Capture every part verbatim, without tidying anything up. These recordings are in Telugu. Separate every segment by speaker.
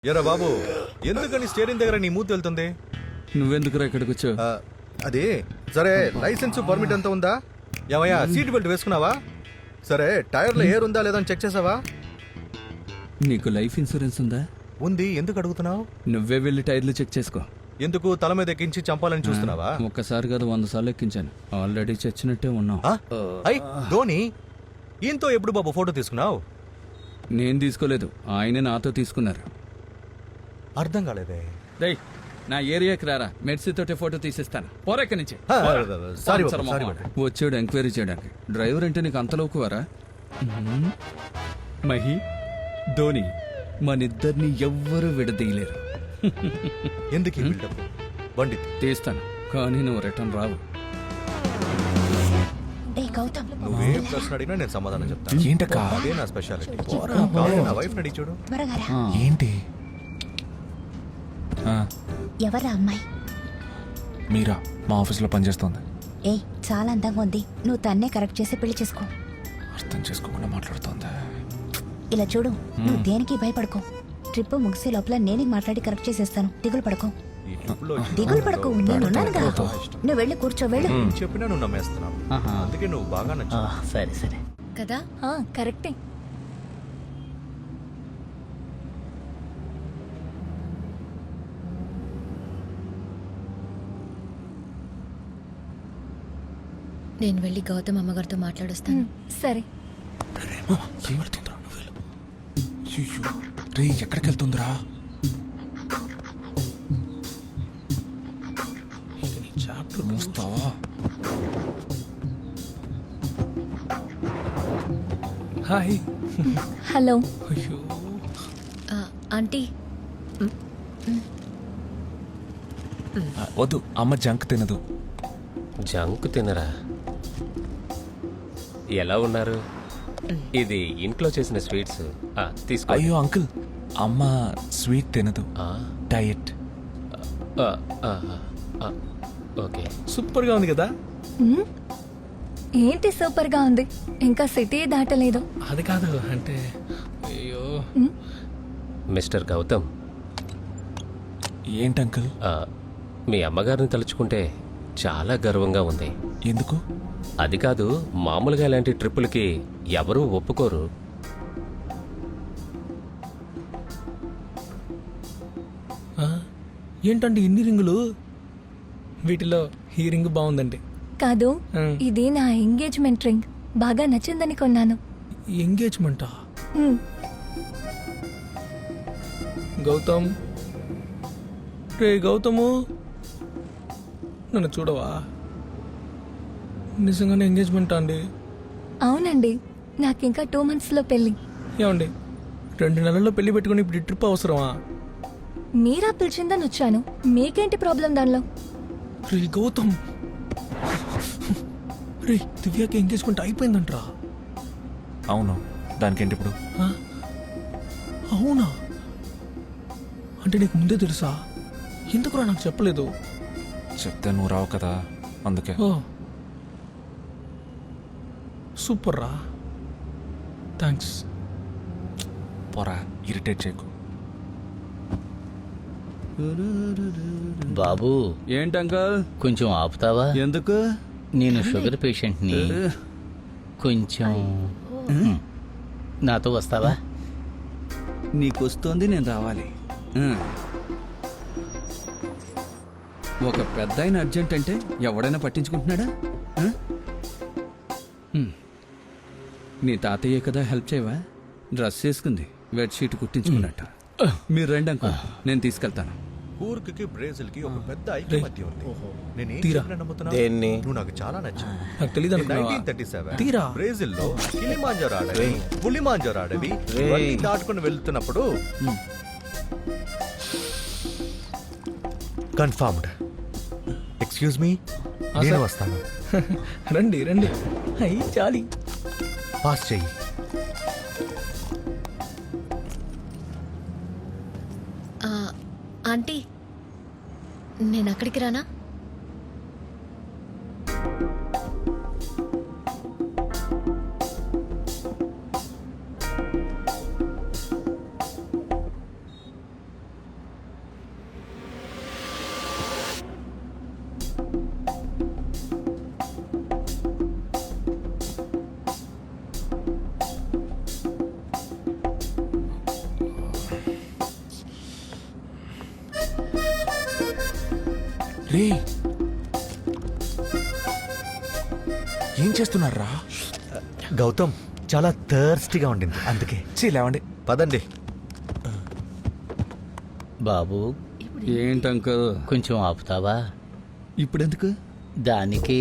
Speaker 1: ఎరా బాబు, ఎందుకని స్టీరింగ్ దగ్గర నీ మూతి వెళ్తుంది?
Speaker 2: నువ్వెందుకురా ఇక్కడికి వచ్చావు?
Speaker 1: అది సరే, లైసెన్స్ పర్మిట్ అంతా ఉందా? ఏమయ్యా, సీట్ బెల్ట్ వేసుకున్నావా? సరే, టైర్లో ఎయిర్ ఉందా లేదా అని చెక్ చేసావా?
Speaker 2: నీకు లైఫ్ ఇన్సూరెన్స్ ఉందా?
Speaker 1: ఉంది. ఎందుకు అడుగుతున్నావు?
Speaker 2: నువ్వే వెళ్ళి టైర్లు చెక్ చేసుకో.
Speaker 1: ఎందుకు తల మీద ఎక్కించి చంపాలని చూస్తున్నావా?
Speaker 2: ఒక్కసారి కాదు, వంద సార్లు ఎక్కించాను. ఆల్రెడీ చచ్చినట్టే ఉన్నావు.
Speaker 1: అయ్ ధోని, ఈయనతో ఎప్పుడు బాబు ఫోటో తీసుకున్నావు?
Speaker 2: నేను తీసుకోలేదు, ఆయనే నాతో తీసుకున్నారు.
Speaker 1: అర్థం కాలేదే.
Speaker 2: రేయ్, నా ఏరియాకి రారా, మెడ్సీతోటే ఫోటో తీసేస్తాను. పోరెక్క నుంచి.
Speaker 1: సారీ బాబు, సారీ బాబు.
Speaker 2: వచ్చాడు ఎంక్వైరీ చేయడానికి. డ్రైవర్ అంటే నీకు అంతలోకువారా? మహి, ధోని, మనిద్దరిని ఎవ్వరూ విడదీయలేరు.
Speaker 1: ఎందుకు ఈ బిల్డప్? బండి
Speaker 2: తీస్తాను, కానీ నువ్వు రిటర్న్ రావు.
Speaker 1: నువ్వేం ప్రశ్న అడిగినా నేను సమాధానం చెప్తాను.
Speaker 3: ఏంటక్క?
Speaker 1: అదే నా స్పెషాలిటీ. నా వైఫ్ అడిగి చూడు.
Speaker 3: ఏంటి?
Speaker 4: ఎవరా అమ్మాయి?
Speaker 3: మీరా, మా ఆఫీస్లో పనిచేస్తోంది.
Speaker 4: ఏ చాలా అందంగా ఉంది, నువ్వు తన్నే కరెక్ట్ చేసి పెళ్లి చేసుకో.
Speaker 3: అర్థం చేసుకోకుండా మాట్లాడుతోంది.
Speaker 4: ఇలా చూడు, నువ్వు దేనికి భయపడకో. ట్రిప్ ముగిసే లోపల నేనే మాట్లాడి కరెక్ట్ చేసేస్తాను. దిగులు పడకో,
Speaker 1: ఈ ట్రిప్ లో
Speaker 4: దిగులు పడకో, నేనున్నానుగా. నువ్వు వెళ్ళి కూర్చో, వెళ్ళు.
Speaker 1: చెప్పినా నువ్వు నమ్మేస్తున్నావు, అందుకే నువ్వు బాగా నచ్చ.
Speaker 5: సరే సరే
Speaker 4: కదా, కరెక్టే.
Speaker 6: నేను వెళ్ళి గౌతమ్ అమ్మగారితో మాట్లాడొస్తాను.
Speaker 4: సరే.
Speaker 3: ఏం వెళ్తుందిరా? నువ్వు వెళ్ళు. అయ్యో, రే ఎక్కడికి వెళ్తుందిరా? చాప్టర్ మూస్తావా? హాయ్.
Speaker 4: హలో.
Speaker 3: అయ్యో,
Speaker 6: ఆ, ఆంటీ
Speaker 3: ఆ, వద్దు, అమ్మ జంక్ తినదు.
Speaker 5: జంక్ తినరా? ఎలా ఉన్నారు? ఇది ఇంట్లో చేసిన స్వీట్స్. ఆ, తీసుకో.
Speaker 3: అయ్యో అంకుల్, అమ్మ స్వీట్ తినదు,
Speaker 5: ఆ,
Speaker 3: డయట్.
Speaker 5: ఆ, ఆ, ఆ, ఓకే.
Speaker 3: సూపర్ గా ఉంది కదా?
Speaker 4: ఏంటి సూపర్ గా ఉంది, ఇంకా సిటీ దాటలేదు.
Speaker 3: అది కాదు అంటే, అయ్యో.
Speaker 5: మిస్టర్ గౌతమ్,
Speaker 3: ఏంటి అంకుల్?
Speaker 5: ఆ, మీ అమ్మగారిని తలుచుకుంటే చాలా గర్వంగా ఉంది.
Speaker 3: ఎందుకు?
Speaker 5: అది కాదు, మామూలుగా ఇలాంటి ట్రిప్పులకి ఎవరూ ఒప్పుకోరు.
Speaker 7: ఏంటంటే ఇన్ని రింగులు? వీటిలో ఈ రింగ్ బాగుందండి.
Speaker 4: కాదు,
Speaker 7: ఆ.
Speaker 4: ఇది నా ఎంగేజ్మెంట్ రింగ్. బాగా నచ్చిందని కొన్నాను.
Speaker 7: ఎంగేజ్మెంటా?
Speaker 4: ఉమ్,
Speaker 7: గౌతమ్, రే గౌతము, నన్ను చూడవా? నిజంగానే ఎంగేజ్మెంటా అండి?
Speaker 4: అవునండి, నాకింకా టూ మంత్స్ లో పెళ్లి.
Speaker 7: ఏమండి, రెండు నెలల్లో పెళ్లి పెట్టుకుని ఇప్పుడు ఈ ట్రిప్ అవసరమా?
Speaker 4: మీరా పిలిచిందని వచ్చాను, మీకేంటి ప్రాబ్లం దానిలో?
Speaker 7: రే గౌతమ్, రే దివ్యాకి ఎంగేజ్మెంట్ అయిపోయిందంట్రా.
Speaker 3: అవును, దానికేంటి ఇప్పుడు?
Speaker 7: ఆ? అవునా? అంటే నీకు ముందే తెలుసా? ఎందుకురా నాకు చెప్పలేదు?
Speaker 3: చెప్తే నువ్వు రావు కదా, అందుకే.
Speaker 7: ఓ సూపర్ రా, థ్యాంక్స్.
Speaker 3: పోరా, ఇరిటేట్ చేయకు.
Speaker 8: బాబు,
Speaker 2: ఏంటి అంకల్?
Speaker 8: కొంచెం ఆపుతావా?
Speaker 2: ఎందుకు?
Speaker 8: నేను షుగర్ పేషెంట్ని, కొంచెం హ్మ్. నాతో వస్తావా?
Speaker 2: నీకొస్తోంది, నేను రావాలి. ఆ. ఒక పెద్ద ఆయన అర్జెంట్ అంటే ఎవడైనా పట్టించుకుంటున్నాడా? ఆ? హ్మ్. నీ తాతయ్య కదా, హెల్ప్ చేయవా? డ్రెస్ వేసుకుంది, బెడ్షీట్ కుట్టించుకున్నట్టు. మీరు రండి అంకుల్, నేను తీసుకెళ్తాను.
Speaker 1: కూర్గ్కి బ్రెజిల్ కి ఒక పెద్ద ఐక్యమత్య ఉంది. నేను ఏం
Speaker 7: తీరా.
Speaker 1: చెప్పినా నమ్ముతున్నావు?
Speaker 5: దేన్ని?
Speaker 1: నువ్వు నాకు చాలా నచ్చావు.
Speaker 7: నాకు తెలియదు అనుకున్నావా?
Speaker 1: నైన్టీన్ థర్టీ సెవెన్
Speaker 7: తీరా.
Speaker 1: బ్రెజిల్ లో కిలిమాంజారో అడవి, పులిమాంజారో అడవి ఇవన్నీ దాటుకుని వెళ్తున్నప్పుడు కన్ఫర్మ్డ్. ఎక్స్క్యూజ్ మీ, నేను
Speaker 7: సార్.
Speaker 1: వస్తాను.
Speaker 7: రండి రండి. అయ్యి చాలి.
Speaker 1: పాస్ చెయ్యి.
Speaker 6: ఆ, ఆంటీ నేను అక్కడికి రానా?
Speaker 3: రే ఏం చేస్తున్నారా?
Speaker 1: గౌతమ్ చాలా థర్స్టీగా ఉండింది అందుకే.
Speaker 3: లేవండి.
Speaker 1: పదండి.
Speaker 8: బాబు
Speaker 2: ఏంటంకల్
Speaker 8: కొంచెం ఆపుతావా?
Speaker 2: ఇప్పుడెందుకు?
Speaker 8: దానికి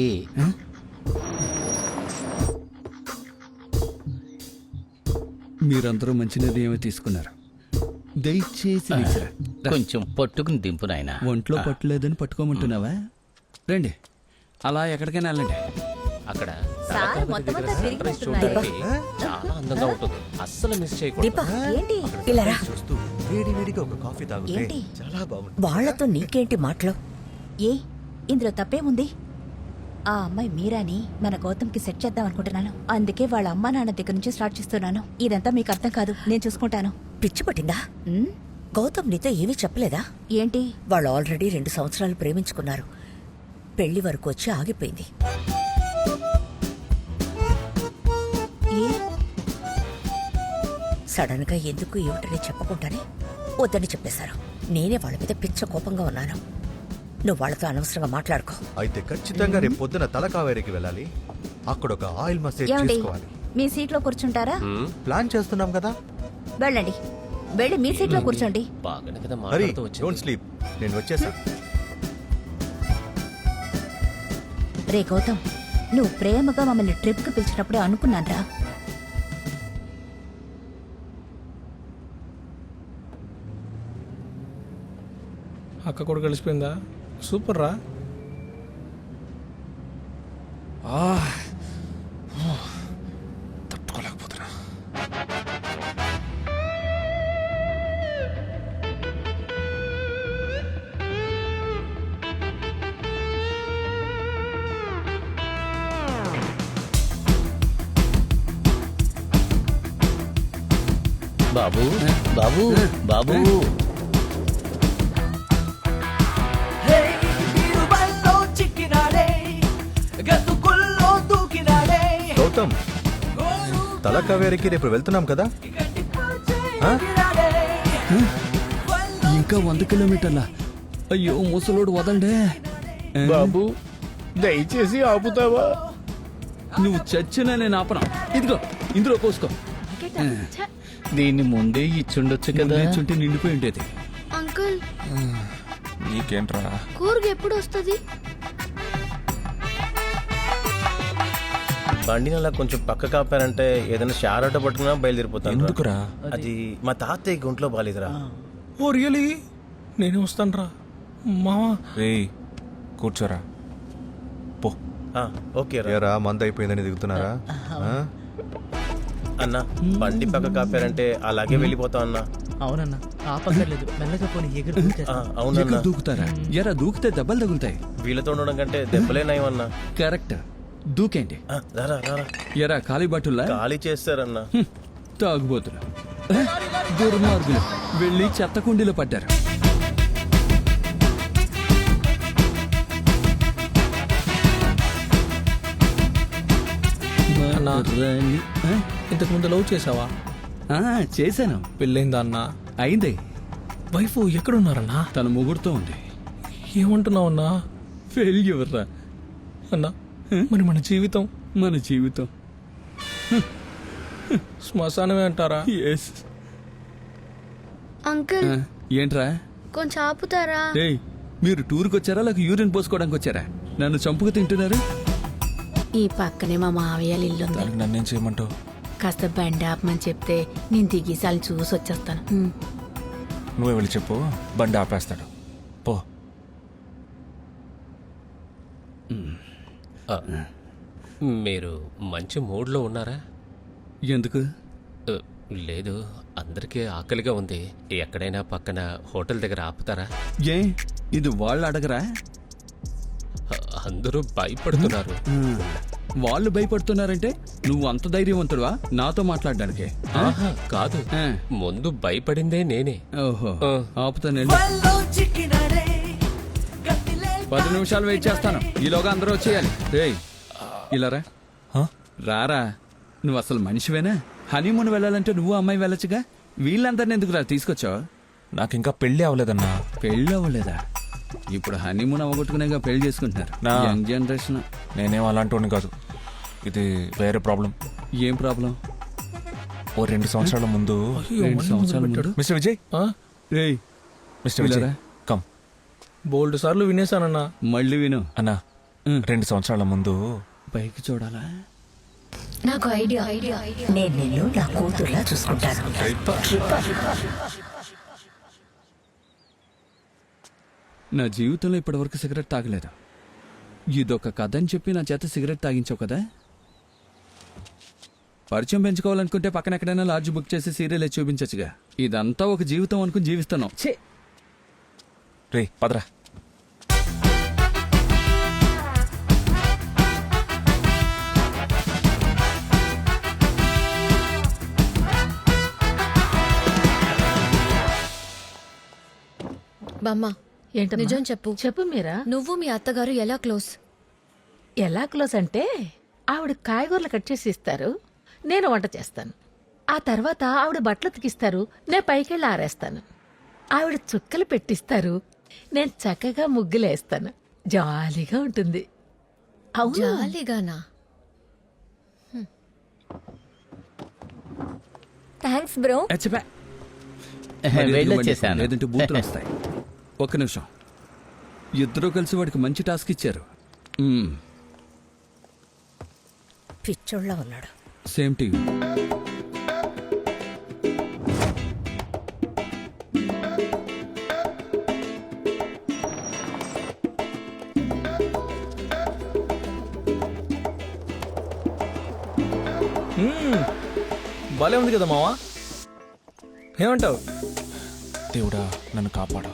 Speaker 2: మీరందరూ మంచి నిర్ణయమే తీసుకున్నారు. దయచేసి విసిరా. రా.
Speaker 8: కొంచెం పట్టుకుని దింపు నాయనా.
Speaker 2: ఒంట్లో పట్టలేదని పట్టుకోమంటున్నావా? రండి, అలా ఎక్కడికైనా వెళ్ళండి.
Speaker 5: అక్కడ
Speaker 4: సార్
Speaker 5: తలకావరి
Speaker 4: మొత్తం
Speaker 5: దగ్గర
Speaker 4: అంతా
Speaker 5: సన్ రైజ్
Speaker 4: తిరిగి
Speaker 5: చూడడానికి చాలా అందంగా ఉంటుంది. అస్సలు మిస్ చేయకూడదు.
Speaker 9: దీప
Speaker 4: ఏంటి
Speaker 9: ఇలా రా.
Speaker 1: చూస్తూ వేడి వేడిగా ఒక కాఫీ తాగితే
Speaker 4: ఏంటి?
Speaker 1: చాలా బాగుంటుంది.
Speaker 9: వాళ్లతో నీకేంటి మాటలు?
Speaker 4: ఏ ఇందులో తప్పేముంది? ఆ అమ్మాయి మీరాని మన గౌతమ్కి సెట్ చేద్దాం అనుకుంటున్నాను. అందుకే వాళ్ళ అమ్మా నాన్న దగ్గర నుంచి స్టార్ట్ చేస్తున్నాను. ఇదంతా మీకు అర్థం కాదు, నేను చూసుకుంటాను.
Speaker 9: పిచ్చి పట్టిందా?
Speaker 4: ఉమ్,
Speaker 9: గౌతమ్ నీతో ఏమీ చెప్పలేదా?
Speaker 4: ఏంటి?
Speaker 9: వాళ్ళు ఆల్రెడీ రెండు సంవత్సరాలు ప్రేమించుకున్నారు. పెళ్లి వరకు వచ్చి ఆగిపోయింది.
Speaker 4: ఏ
Speaker 9: సడన్ గా ఎందుకు ఏమిటని చెప్పకుండానే వద్దని చెప్పేశారు. నేనే వాళ్ళ మీద పిచ్చ కోపంగా ఉన్నాను. నువ్వు వాళ్ళతో అనవసరంగా మాట్లాడుకో.
Speaker 1: అయితే ఖచ్చితంగా రేపు పొద్దున తలకావేరికి వెళ్ళాలి. అక్కడ ఒక ఆయిల్ మసాజ్
Speaker 4: ఏమండి,
Speaker 1: చేసుకోవాలి.
Speaker 4: మీ సీట్లో కూర్చుంటారా?
Speaker 1: ప్లాన్ చేస్తున్నాం కదా.
Speaker 4: వెళ్ళండి, వెళ్ళి మీ సీట్లో కూర్చోండి.
Speaker 5: బాగానే కదా
Speaker 1: హరి
Speaker 5: మాట్లాడుతూ
Speaker 1: డోంట్
Speaker 5: వచ్చింది.
Speaker 1: స్లీప్. నేను వచ్చేసా.
Speaker 4: రే గౌతమ్, నువ్వు ప్రేమగా మమ్మల్ని ట్రిప్కి పిలిచినప్పుడే అనుకున్నాన్రా.
Speaker 7: అక్క కూడా కలిసిపోయిందా? సూపర్ రా.
Speaker 3: తట్టుకోలేకపోతున్నా.
Speaker 8: బాబు బాబు బాబు
Speaker 1: గౌతమ్, తలకావేరికి రేపు వెళ్తున్నాం కదా. ఆ?
Speaker 2: ఇంకా వంద కిలోమీటర్ల. అయ్యో ముసలోడు వదండే.
Speaker 7: బాబు దయచేసి ఆపుతావా?
Speaker 2: నువ్వు చచ్చినా నేను ఆపనా. ఇదిగో ఇందులో పోసుకో.
Speaker 8: దీన్ని ముందే ఇచ్చుండొచ్చు కదా.
Speaker 2: చుంటే నిండిపోయి ఉండేది.
Speaker 6: అంకుల్,
Speaker 3: నీకేంట్రా?
Speaker 6: కూరగా ఎప్పుడు వస్తుంది?
Speaker 10: బండిని అలా కొంచెం పక్క కాపారంటే ఏదైనా షార్ ఆటో పట్టుకున్నా బయలుదేరిపోతాను.
Speaker 3: ఎందుకురా?
Speaker 10: అది మా తాతయ్య గుంట్లో బాలేదురా.
Speaker 7: Oh really? నేనే వస్తాను రా మావా.
Speaker 3: రేయ్ కూర్చోరా. పో.
Speaker 10: ఆ, ఓకే రా
Speaker 1: ఏరా మంద అయిపోయిందని దిగుతున్నారా? ఆ?
Speaker 10: అన్న, బండి పక్క కాపారంటే అలాగే వెళ్ళిపోతాం అన్న.
Speaker 11: అవునన్నా, ఆపక్కర్లేదు, మెల్లగా పోనీ ఎగురు.
Speaker 10: ఆ, అవునన్నా.
Speaker 2: ఎక్కడ దూకుతారా? ఎరా దూకితే దెబ్బలు తగులుతాయి.
Speaker 10: వీళ్ళతో ఉండడం కంటే దెబ్బలే నయమన్నా.
Speaker 2: కరెక్ట్, దూకేంటి.
Speaker 10: ఆ, రారా రారా.
Speaker 2: ఎరా ఖాళీ బట్టుల్లా
Speaker 10: ఖాళీ చేస్తారన్నా.
Speaker 2: తాగుబోతులు, దుర్మార్గులు వెళ్ళి చెత్త కుండీలో పడ్డారు.
Speaker 7: అన్నా,
Speaker 2: రాణి. ఆ?
Speaker 7: ఇంతకు ముందు లవ్ చేసావా?
Speaker 2: ఆ, చేశాను.
Speaker 7: పెళ్ళైందా అన్నా?
Speaker 2: అయింది.
Speaker 7: వైఫ్ ఎక్కడున్నారన్నా?
Speaker 2: తన ముగ్గురుతో ఉంది.
Speaker 7: ఏమంటున్నావు అన్నా?
Speaker 2: ఫెయిల్యూర్ రా
Speaker 7: అన్నా, మరి మన జీవితం?
Speaker 2: మన జీవితం
Speaker 7: శ్మశానమే అంటారా?
Speaker 2: ఎస్.
Speaker 6: అంకుల్,
Speaker 2: ఏంట్రా?
Speaker 6: కొంచెం ఆపుతారా?
Speaker 2: ఏయ్, మీరు టూర్కి వచ్చారా లేక యూరిన్ పోసుకోవడానికి వచ్చారా? నన్ను చంపుకు తింటున్నారు.
Speaker 12: ఈ పక్కనే మా మావయ్య ఇల్లు ఉంది.
Speaker 3: దానికి నన్నేం చేయమంటావు?
Speaker 12: కాస్త బండి ఆపమని చెప్తే నేను దిగిసాలు చూసి వచ్చేస్తాను. ఉమ్.
Speaker 3: నువ్వే వెళ్ళి చెప్పు, బండి ఆపేస్తాడు. పో.
Speaker 5: ఆ, మీరు మంచి మూడ్లో ఉన్నారా?
Speaker 2: ఎందుకు?
Speaker 5: ఆ, లేదు, అందరికీ ఆకలిగా ఉంది. ఎక్కడైనా పక్కన హోటల్ దగ్గర ఆపుతారా?
Speaker 2: ఏ ఇది వాళ్ళు అడగరా?
Speaker 5: ఆ, అందరూ భయపడుతున్నారు.
Speaker 2: వాళ్ళు భయపడుతున్నారంటే నువ్వు అంత ధైర్యవంతుడువా నాతో మాట్లాడడానికి?
Speaker 5: ఆహా, కాదు,
Speaker 2: ఆ.
Speaker 5: ముందు భయపడిందే నేనే.
Speaker 2: ఓహో,
Speaker 5: ఆ.
Speaker 2: ఆపుతానండి. పది నిమిషాలు వెయిట్ చేస్తాను, ఈలోగా అందరూ వచ్చేయాలి. రేయ్ ఇలా రా.
Speaker 3: హ?
Speaker 2: రారా, నువ్వు అసలు మనిషివేనా? హనీమూన్ వెళ్ళాలంటే నువ్వు అమ్మాయి వెళ్ళొచ్చుగా. వీళ్ళందరినీ ఎందుకు రా తీసుకొచ్చావు?
Speaker 3: నాకు ఇంకా పెళ్ళి అవ్వలేదన్నా.
Speaker 2: పెళ్ళి అవ్వలేదా? ఇప్పుడు హనీమూన్ అవగొట్టుకునేగా పెళ్లి చేసుకుంటున్నారు
Speaker 3: నా.
Speaker 2: Young generation.
Speaker 3: నేనేం అలాంటి కాదు, ఇది వేరే ప్రాబ్లం.
Speaker 2: ఏం ప్రాబ్లం?
Speaker 3: ఓ రెండు సంవత్సరాల ముందు
Speaker 2: రెండు సంవత్సరాల ముందు?
Speaker 3: మిస్టర్ విజయ్,
Speaker 2: రేయ్
Speaker 3: మిస్టర్ విజయ్
Speaker 2: పిల్లరా?
Speaker 3: కమ్.
Speaker 7: బోల్డ్ సార్లు వినేశానన్నా.
Speaker 2: మళ్ళీ విను.
Speaker 3: అన్నా రెండు సంవత్సరాల ముందు
Speaker 2: పైకి చూడాలా?
Speaker 6: నాకు ఐడియా ఐడియా
Speaker 9: నేను నిన్ను నా కూతుర్లా చూసుకుంటాను.
Speaker 2: నా జీవితంలో ఇప్పటివరకు సిగరెట్ తాగలేదు. ఇదొక కథ అని చెప్పి నా చేత సిగరెట్ తాగించావు కదా. పరిచయం పెంచుకోవాలనుకుంటే పక్కన ఎక్కడైనా లాడ్జ్ బుక్ చేసి సీరియల్ చూపించచ్చుగా. ఇదంతా ఒక జీవితం అనుకుని జీవిస్తున్నాం. ఛే!
Speaker 3: రే పదరా.
Speaker 6: బామ్మ
Speaker 12: ఏంటమ్మా?
Speaker 6: నిజం చెప్పు.
Speaker 12: చెప్పు మీరా.
Speaker 6: నువ్వు మీ అత్తగారు ఎలా క్లోజ్?
Speaker 12: ఎలా క్లోజ్ అంటే ఆవిడ కాయగూరలు కట్ చేసి ఇస్తారు, నేను వంట చేస్తాను. ఆ తర్వాత ఆవిడ బట్టలు ఉతికిస్తారు, నేను పైకెళ్ళి ఆరేస్తాను. ఆవిడ చుక్కలు పెట్టిస్తారు, నేను చక్కగా ముగ్గులేస్తాను. జాలీగా ఉంటుంది. అవును.
Speaker 6: జాలీగానా? Thanks bro.
Speaker 2: అచ్చపా.
Speaker 8: వెళ్ళొచ్చేసాను.
Speaker 2: లేదంటే బూతులు వస్తాయి. ఒక్క నిమిషం. ఇద్దరూ కలిసి వాడికి మంచి టాస్క్ ఇచ్చారు. మ్మ్.
Speaker 9: పిచ్చోళ్ళ ఉన్నాడు.
Speaker 2: Same TV.
Speaker 7: భలే ఉంది కదా మావా, ఏమంటావు?
Speaker 3: దేవుడా నన్ను కాపాడు.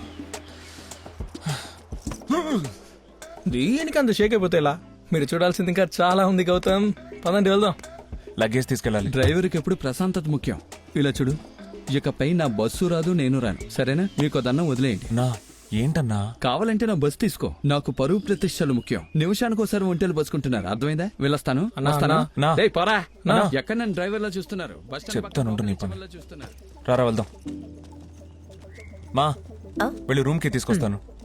Speaker 7: దీనికి అంత షేక్ అయిపోతే ఎలా? మీరు చూడాల్సింది ఇంకా చాలా ఉంది గౌతమ్. పదండి వెళ్దాం.
Speaker 3: లగేజ్ తీసుకెళ్ళాలి.
Speaker 2: డ్రైవర్కి ఎప్పుడు ప్రశాంతత ముఖ్యం. ఇలా చూడు, ఇకపై నా బస్సు రాదు, నేను రాను. సరేనా? మీకు దన్నం వదిలేయండి.
Speaker 3: నా ఏంటన్నా?
Speaker 2: కావాలంటే నా బస్ తీసుకో. నాకు పరువు ప్రతిష్టలు ముఖ్యం. నిమిషానికి ఒకసారి ఒంటెలు బస్సుకుంటున్నారు. అర్థమైందా? వెళ్ళొస్తాను.
Speaker 7: అన్నా,
Speaker 2: వస్తాను.
Speaker 3: నా.
Speaker 2: డేయ్, పోరా.
Speaker 3: నా.
Speaker 2: ఎక్కడ నన్ను డ్రైవర్ లా చూస్తున్నారు? బస్ స్టాండ్
Speaker 3: చెప్తాను, ఉండు నీ
Speaker 2: పక్కన
Speaker 3: పని.
Speaker 2: డ్రైవర్లా చూస్తున్నారు.
Speaker 3: రారా వెళ్దాం. మా
Speaker 9: ఆ?
Speaker 3: వెళ్ళి రూమ్కి తీసుకొస్తాను.